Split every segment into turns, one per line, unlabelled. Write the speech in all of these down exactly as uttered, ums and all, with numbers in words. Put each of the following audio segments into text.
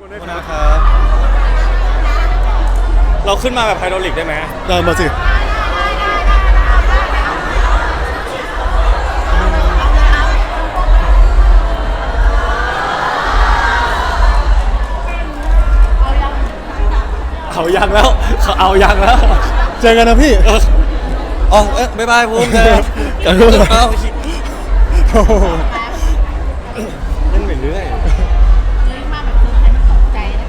ขอบคุณนะครับเราขึ้นมาแบบไฮดรอลิกได้ไหม
ได้มาสิ
เขายังแล้วเขาเอายังแล้ว
เจอกันนะพี่
อ๋อเอ๊ะบ๊ายบายภูมิเจอกันเอาเล่นไปเรื่อย
มาแบบเธอให้มันตกใจนะ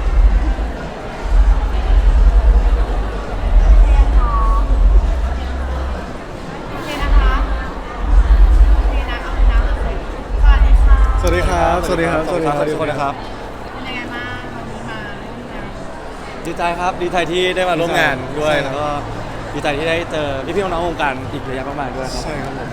โอเคนะคะโอเคนะเอาน้ำเลยสวัสดีค่ะ
สวัสดีครับ สวัสดีครับ
สวัสดีทุกคนนะครับ
เป็นยังไงบ้างวันนี้มาร่วมงาน
ดีใจครับดีใจที่ได้มาร่วมงานด้วยแล้วก็ดีใจที่ได้เจอพี่ๆน้องๆวงการอีกระยะมากๆด้วยครับ
ใช่ครับผม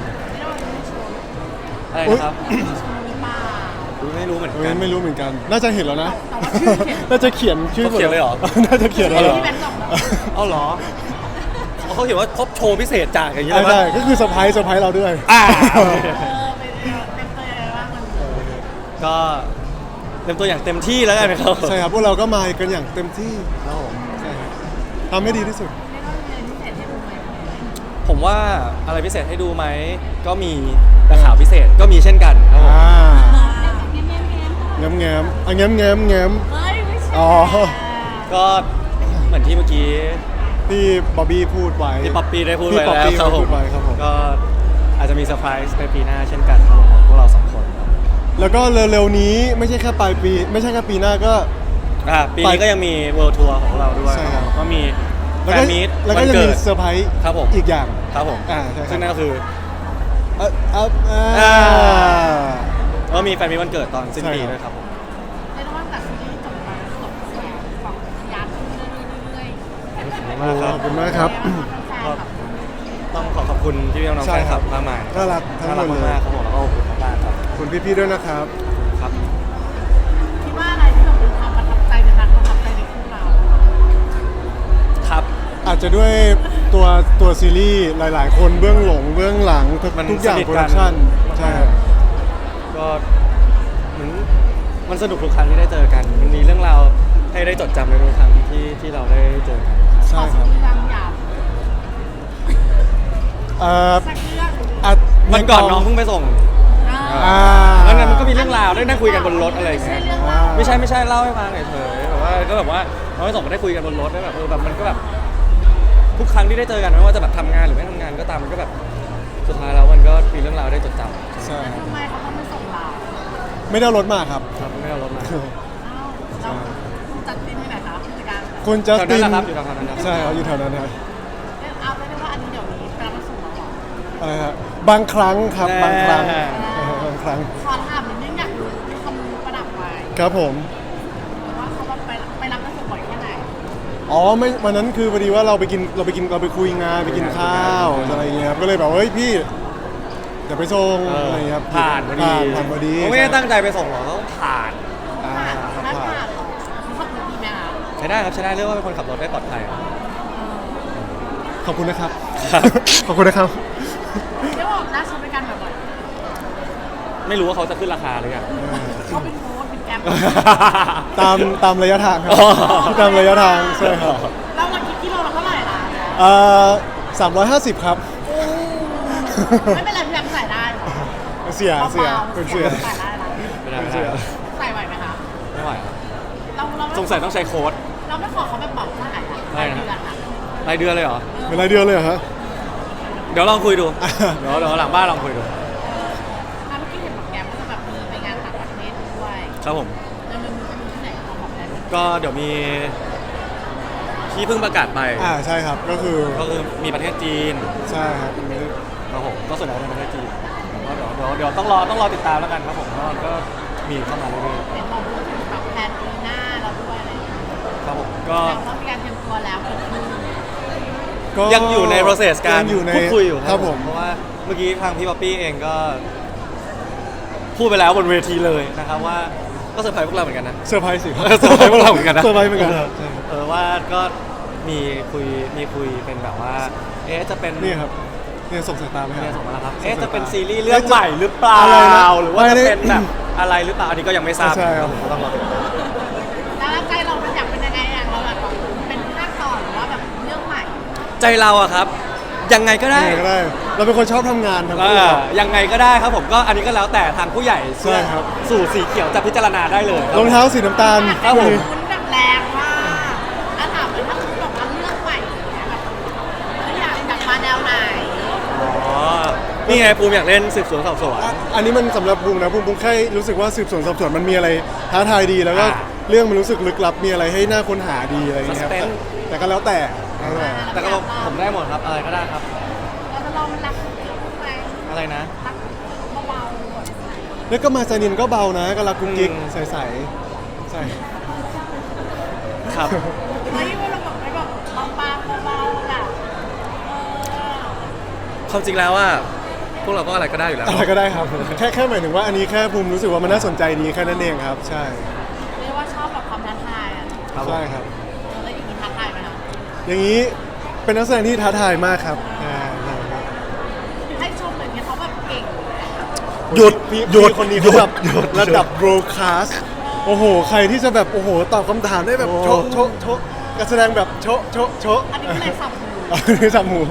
ไม่ได้ว่าจะมีโชว์
อะไรนะครับ
โชว์หรือเปล่า
ไม่รู้เหมือน
เฮ้
กั
ย
น
ไม่รู้เหมือนกัน น่าจะเห็นแล้วนะ
แต่ว่าชื่อเขียน
น่าจะเขียนชื่อ
เขาเขียนเลยเหรอ
น่าจะเขียนแล้วเหรอ
ที่แบงค์บอกเหรอ
เอาเหรอเขาเขียนว่าครบโชว์พิเศษจากอย่างนี้เลย
ใช่
ปะ
ก็คือเซอร์ไพรส์เซอร์ไพรส์เราด้วย
อ่า
เออไปเรียนเป็นตัวยังไงบ้างมัน
ก็เต็มตัวอย่างเต็มที่แล้วกันนะครับ
ใช่ครับพวกเราก็มากันอย่างเต็มที่ครับผมใช่ครับทำให้ดีที่สุด
เรียกว่ามีอะไรพิเศษให้ดูไหม
ผมว่าอะไรพิเศษให้ดูไหมก็มีแต่ข่าวพิเศษก็มีเช่นกันครับผม
อ่า
เงี้ยเงี้ยเงี้ย
แง้มแง้มอ่ะแง้มแง้มแง้ม
เฮ้ยไม่ใช่
อ๋อ
ก็เหมือนที่เมื่อกี้
ที่บ๊อบบี้พูดไว้
ที่ป๊อปปี้ได้พูด
ที่
ไว้
ป๊อป
แล้ว
ปี้
ครับผ
พู
ม
ดไว้ครับผม
ก็อาจจะมีเซอร์ไพรส์ในปีหน้าเช่นกันครับผมของพวกเราสองคนครับ
แล้วก็เร็วๆนี้ไม่ใช่แค่ปลายปี ไม่ใช่แค่ปีหน้าก็
อ่าปีนี้ก็ยังมีเวิลด์ทัวร์ของเราด้วย
ใช่ครับ
ก็มี
แล้
แฟ
วก็
นมีต
แล้ว
วั
ก็
น
จะ
เกิ
มี
ด
เซอร์ไพรส์
ครับผม
อีกอย่าง
ครับผม
อ่าใช่ครับ
ซึ่งนั่นก็คือ
เอ่อเอ่ออ่า
อ่า ก็มีแฟนมีตวันเกิดตอนสิ้นปี
ใช่ครับ
ด้วยครับผม
เรียกว่าจากซีรีส์จบไปแล้วจบแสงฝั่งยานขึ้นเรื่อยๆ
มากครับ
ขอบคุณมากครับ
ต้องขอขอบคุณที่พี่น้องๆ
ใช่
แฟน
ค
ค
รั
ลั
บ
บมากมาย
น่ารักทั้ง
น่า
หม
รั
ด
ก
เลย
มากๆครับผมแล้วก็ขอบคุณมากๆครับ
คุณพี่ๆด้วยนะครับ
ครับ
คิดว่าอะไรที่แบบเป็นความประทับใจเป็นความประทับใจในคู่เรา
ครับ
อาจจะด้วยตัวตัวซีรีส์หลาย ๆ คนเบื้องหลงเบื้องหลังทุก
มัน
ทุกอย่าง
สนิท
โปร
กั
ดั
น
กชั่นใช่ครับ
ก็เหมือนมันสนุกทุกครั้งที่ได้เจอกัน มันมีเรื่องราวให้ได้จดจำในทุกครั้งที่ที่เราได้เจอกัน
ใช่ครับ
ขอสักเรื่องอยาก
เอ่อ
สักเรื่อง
อ่ะ
วันก่อนน้องเพิ่งไปส่ง
อ่า
แล้วนั้นมันก็มีเรื่องราวได้นั่งคุยกันบนรถอะไรอย่าง
ไม่
เงี้ย
ใช่เรื่องเล่า
ไม่ใช่ไม่ใช่เล่าให้ฟังเฉยๆแบบว่าก็แบบว่าน้องไปส่งก็ได้คุยกันบนรถได้แบบเออแบบมันก็แบบทุกครั้งที่ได้เจอกันไม่ว่าจะแบบทำงานหรือไม่ทำงานก็ตามมันก็แบบสุดท้ายแล้วมันก็มีเรื่องราวได้จดจำ
ใช่ครับ
ทำไมเขาต้องมาส่งเรา
ไม่ได้เอารถมาครับ
ครับไม่เอารถมา
อ้าวเราจัดทีมที่ไหนคะผู้จัดการ
คุณจัส
แถว
ติ
นั้น
น
แหละครับอยู่แถวนั้นครับ
ใช่ครับอยู่แถวนั้นครับ
เอาไปเรียกว่าอันนี้เดี๋ยวนี้ไปรับมาส่งเราเหรอ
อะไรครับบางครั้งครับบางครั้งเออบางครั้ง
ขอถามนิดนึงอยากรู้มีคำประดับไว้
ครับผม
ว่าเขาว่าไปไปรับมาส่งบ่อยแค่ไหน
อ๋อไม่วันนั้นคือพอดีว่าเราไปกินเราไปกินเราไปคุยงานไปกินข้าวอะไรเงี้ยครับก็เลยแบบเฮ้ยพี่เดี๋ยวไปส่ง
เออ
อะไรเงี้ยครับ
ผ่านพอดี
ผ่านพอดี
เขาไม่ได้ตั้งใจไปส่งหรอกเขาผ่าน
อ่า
ผ่านนั่น
ผ่าน
ผ่านเหรอเขาขับรถดีไหมคะ
ใช้ได้ครับใช้ได้เรียกว่าเป็นคนขับรถได้ปลอดภัยครับ
ขอบคุณนะครับ
ครับ
ขอบคุณนะครับ
เรียกว่าน่าใช้บริการบ่อย
ไม่รู้ว่าเขาจะขึ้นราคาหรือยัง
ๆเขาเป็นโค้ดเป็นแกร็บ
ตามตามระยะทางครับ
อ๋อ
ตามระยะทางใช่ครับ
เราเราคิดกิโลเราเท่าไหร่ล่ะ
เอ่อสามร้อยห้าสิบครับ
ไม่เป็นไรพี่แอมใส่ได้เหรอ
เสียเสีย
บาๆ
เป็นเสีย
ใส่ได้นะ
ไม่ได้
เป็น
ไม่
เสี
ได้
ย
ใส่ไหวไหมคะ
ไม่ไหวครับ
เราเราไม่
สงสัยต้องใช้โค้ด
เราไม่ขอเขาแบบบอกเท่าไหร่อะ
ได้นะ
เดือนอะ
รายเดือนเลยเหรอ
เป็นรายเดือนเลยเหรอฮะ
เดี๋ยวลองคุยดู เดี๋ยวเดี๋ยวหลังบ้านลองคุยดู
ถ้าเมื่อกี้เห็นบอกแกมก็จะแบบมีไปงานต่างประเทศด้วย
ครับผม
แล้วมันมีที่ไหนของบอกได้ไหม
ก็เดี๋ยวมีที่เพิ่งประกาศไป
อ่าใช่ครับก็คือ
ก็คือมีประเทศจีน
ใช่ครับ
ครับผมก็ส่วนใหญ่เป็นประเทศจีนก็เดี๋ยวเดี๋ยวเดี๋ยวต้องรอต้องรอติดตามแล้วกันครับผมก็ก็มีเข้ามาเรื่อย
เห็นบอกพูดถึงแบบแพลนปีหน้าเราด้วยอะไรอย่างเงี้ย
ๆครับผมก็
แต่ว่ามีการเตรียมตัวแล้วเกิดขึ้น
ก็
ยังอยู่ใน process การ
ยังอยู่ใน
พูดคุยอยู่
ครับผม
เพราะว่าเมื่อกี้ทางพี่ป๊อปปี้เองก็พูดไปแล้วบนเวทีเลยนะครับว่าก็เซอร์ไพรส์พวกเราเหมือนกันนะ
เซอร์ไพรส์สิ
เออเซอร์ไพรส์พวกเราเหมือนกันนะ
เซอร์ไพรส์เหมือนกัน
เออว่าก็มีคุยมีคุยเป็นแบบว่า เอ๊ะจะเป็น
นี่ครับเนี่ยส่งสายตาไหมค
เนี่ย
รับ
ส่งมาแล้วครับ
ส่ง
เอ๊ะ
สายตา
จะเป็นซีรีส์เรื่องใหม่หรือเปล่า
อะไรนะ
หรือว่าจะ
ไม่ได้
เป็นแบบอะไรหรือเปล่าอันนี้ก็ยังไม่ทราบ
ใช่ครับ
ผมก็ต้องรอติดตาม
ได้
ใจเราอะครับ ยังไงก็ได้
ยังไงก็ได้ เราเป็นคนชอบทำงานทั้ง
อ่
คู่ครับ
ายังไงก็ได้ครับผมก็อันนี้ก็แล้วแต่ทางผู้ใหญ่
ใช่ครับ
สู่สีเขียวจะพิจารณาได้เลย
รองเท้าสีน้ำตาล
ครับผม
คุณแบบแรงมากถ้าถามเลยถ้าคุณแบบว่าเลือกใหม่อย่างเงี้ยแบบเอออยากอยากมาแนวไหน
อ๋อนี่ไงภูมิอยากเล่นสืบสวนสอบสวน
อ่ะอันนี้มันสำหรับบุ้งนะบุ้งบุ้งแค่รู้สึกว่าสืบสวนสอบสวนมันมีอะไรท้าทายดีแล้วก็
อ่า
เรื่องมันรู้สึกลึกลับมีอะไรให้น่าค้นหาดีอะไรอย่างเงี้ยครับ
Suspense
แต่ก็แล้วแต่แล้วแต่
แต่ก็ผมได้หมดครับอะไรก็ได้ครับ
เราจะลองมันรักไหม
อะไรนะ
รักเบาๆก่อน
แล้วก็มาซานินก็เบานะก็รักกุ๊กกิ๊ก
อืม
ใสๆใช่
ครับ
เฮ้ยว่าเราแบบไม่แบบบางๆเบาๆแบบเออ
ความจริงแล้วว่าพวกเราก็อะไรก็ได้อยู่แล้ว
อะไรก็ได้ครับ แค่แค่หมายถึงว่าอันนี้แค่ภูมิรู้สึกว่ามันน่าสนใจดีแค่นั้นเองครับ ใช่
เรียกว่าชอบแบบความท้าทายอ่ะ
ครับผม
ใช่ครับ
เออแล้วอย่างนี้ท้าทายไหมคะ
อย่างนี้เป็นนักแสดงที่ท้าทายมากครับอ่าใช่ครับ
ให้ชมเหมือนกันเขาแบบเก่งเลยอะ
หยุดหยุดคนนี้
หยุ
เขา
ด
แบบ
หยุด
ระดับโบรคาสโอ้โห ใครที่จะแบบโอ้โหตอบคำถามได้แบบ
โอ้
โชะโชะโชะการแสดงแบบโชะโชะโชะ
อันนี้ก็เลยสับมือ
อันนี้สับหมู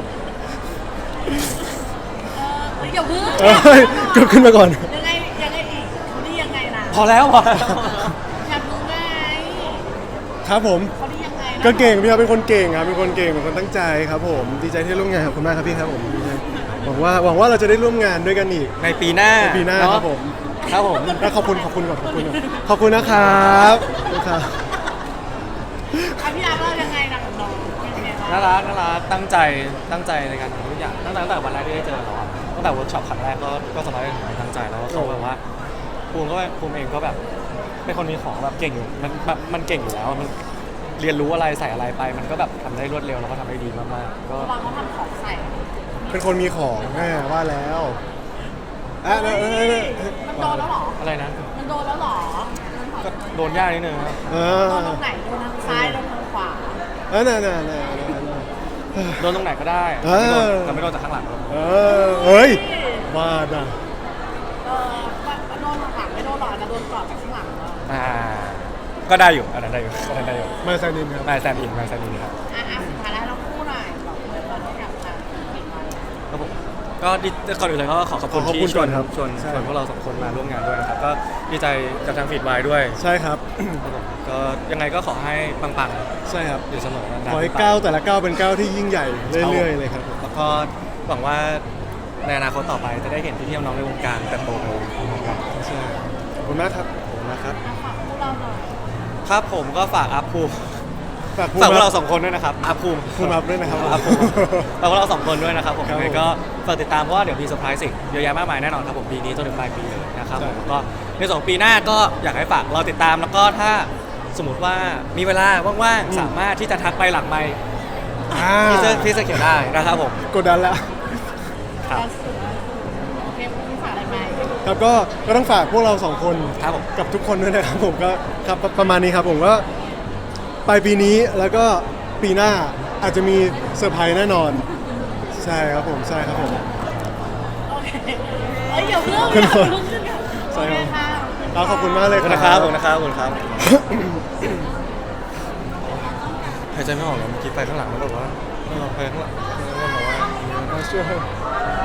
เออเฮ้ยอย่าเพิ่ง
เอ้ยก็ขึ้นมาก่อน
ยังไงยังไงอีกเขาดียังไงนะ
พอแล้วพอแล้ว
อยากรู้ไง
ครับผม
เขาดียังไงนะ
ก็เก่งพี่ครับเป็นคนเก่งครับเป็นคนเก่งเป็นคนตั้งใจครับผมดีใจที่ได้ร่วมงานขอบคุณมากครับพี่ครับผมดีใจหวังว่าหวังว่าเราจะได้ร่วมงานด้วยกันอีก
ในปีหน้า
ในปีหน้า
เอะ
ครับผม
ครับผม
แล้วขอบคุณขอบคุณก่อนขอบคุณก่อนขอบคุณนะครับขอบคุณครับ
อ่ะพี่อาร์ตเรายังไงนะกับน้องเป็นยังไงบ้าง
น่ารักน่ารักตั้งใจตั้งใจในการทำทุกอย่างตั้งแต่ตั้งแต่วันแรกที่ได้เจอเขาอะตั้งแต่เวิร์กช็อปครั้งแรกก็ก็สบายถึงตั้งใจแล้วเขาแบบว่าภูมิก็ภูมิเองก็แบบเป็นคนมีของแบบเก่งอยู่มันแบบมันเก่งอยู่แล้วมันเรียนรู้อะไรใส่อะไรไป มันก็แบบทำได้รวดเร็วแล้วก็ทำได้ดีมากๆก็
ระวังเขาทำของใส่
เป็นคนมีของแม่ว่าแล้วอ่ะเออเออเออเออ
มันโดนแล้วเหรอ
อะไรนะ
มันโดนแล้วเหรอ
ก็โดนยากนิดนึงครับ
เอ
โด
อน
ตรงไหนโดนทางซ้ายโดนทางขวา
เออน่ะน่ะน่ะน่ะน่ะ
โดนตรงไหนก็ได้
เออ
แต่ไม่โดนจากข้างหลังครับ
เออเฮ้ยว่าน่ะ
เออโดนทางหลังไม่โดนหรอกแต่โดนกอดจากข้างหลังแล้ว
อ่าก็ได้อยู่อันนั้นได้อยู่อันนั้นได้อยู่
มาซานินครับ
มาแซนอินมาแซนอินครับ
อ่ะอ่ะสุดท้ายแล้วเราคู่หน่อยบอกเลยตอนที่อยากทำปิดไว้
ครับผมก็ดีก่อนอื่นเลยก็ขอขอบคุณ
ขอบ
ที่
คุณ
ชวน
ก่อนครับ
ชวน
ใช่
ชวนพวกเราสองคนมาร่วมงานด้วยนะครับก็ดีใจกับทางฟีดไวด้วย
ใช่ครับ
ครับผมก็ยังไงก็ขอให้ปัง
ใช่ครับ
ๆอยู่เสมอนานๆ
ขอให้
ไป
ก้าวแต่ละก้าวเป็นก้าวที่ยิ่งใหญ่เรื่อยๆเลยครับผม
แล้วก็หวังว่าในอนาคตต่อไปจะได้เห็นพี่ๆน้องๆในวงการเติบโตไปพร้อมๆกัน
ใช่ขอบคุณมากครับขอบคุณมากครับ
อ่ะฝากคู่เราหน่อย
ครับผมก็ฝากอัพภูมิ
ฝากภูมิ
ฝากพวกเรา
ค
สองคนด้วยนะครับอัพภูมิ
ภูมิอัพด้วยนะครับ
อัพภูมิฝากพวกเราสองคนด้วยนะครับผม
ครับ
ยังไงก็ฝากติดตามเพราะว่าเดี๋ยวมีเซอร์ไพรส์สิ่งเยอะแยะมากมายแน่นอนครับผมปีนี้จนถึงปลายปีเลยนะครับ
ใช่
ผมก็ในสองปีหน้าก็อยากให้ฝากเราติดตามแล้วก็ถ้าสมมติว่ามีเวลาว่างๆสามารถที่จะทักไปหลังไมค์
อ่า
ที่เจอที่สเขียนได้นะครับผม
กดดันแล้ว
ครับ
ล่าสุดโอเคพรุ่งนี้ฝากอะไรไหม
ครับก็ก็ต้องฝากพวกเราสองคน
ครับผม
กับทุกคนด้วยนะครับผมก็ครับประประมาณนี้ครับผมก็ปลายปีนี้แล้วก็ปีหน้าอาจจะมีเซอร์ไพรส์แน่นอน ใช่ครับผมใช่ครับผม
โอเคเอ้ยอย่าเพิ่ง
ขอบ
อ
คุณ
ย่า
ครั
เพิ่
บ
งขึ้นค่ะ
ใช่
โอ
ค
เครับ ค่ะ
ครับขอบคุณมากเลย
ขอบ
ค
คุณ
รับ
นะครับขอบคุณนะครับขอบคุณครับหายใจไม่ออกเลยเมื่อกี้ไปข้างหลังแล้วแบบว่าเออไปข้างหลังแล้วแบบว่า
มาช่วย